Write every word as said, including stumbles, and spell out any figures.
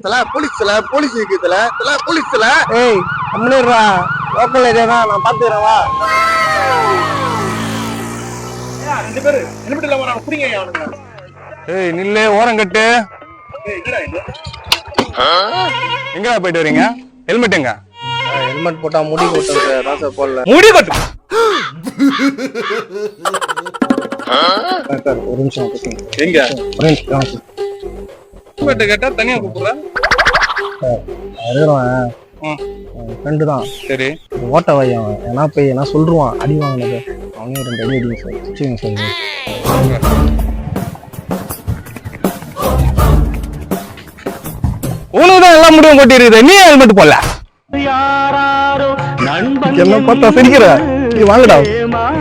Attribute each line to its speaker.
Speaker 1: தல போலீஸ் தல போலீஸ் இருக்கு தல தல போலீஸ் தல.
Speaker 2: ஏய் கம்முனுடா, லோக்கல் ஏரியா தான், நான் பாத்துக்கிறேன் வா.
Speaker 1: ரெண்டு பேரு ஹெல்மெட் இல்லாம நான் புடிங்க அவனுங்க.
Speaker 3: ஏய் நில்லே, ஓரம் கட்டு.
Speaker 1: ஏய் என்னடா இது?
Speaker 3: எங்கடா போயிட்டு வரீங்க? ஹெல்மெட் எங்க?
Speaker 2: ஹெல்மெட் போட்டா முடி கொட்டுது, ராசா போடல.
Speaker 3: முடி கொட்டு.
Speaker 2: ஒரு நிமிஷம்
Speaker 3: எங்க
Speaker 2: ஹெல்மெட்
Speaker 3: கேட்டா தனியா கூப்பிடுற?
Speaker 2: ஃப்ரெண்டு தான்.
Speaker 3: சரி
Speaker 2: ஓட்ட வை அவன், ஏன்னா போய் என்ன சொல்லுவான், அடி வாங்கினது அவனையும் ரெண்டு அடி அடிங்க சார், சுச்சுங்க சார்.
Speaker 3: உனக்குதான் எல்லாம் முடிவும் கொட்டிருக்குது, நீ ஹெல்மெட் போடல.
Speaker 2: என்ன பார்த்தா சிரிக்கிற? நீ வாங்கடா.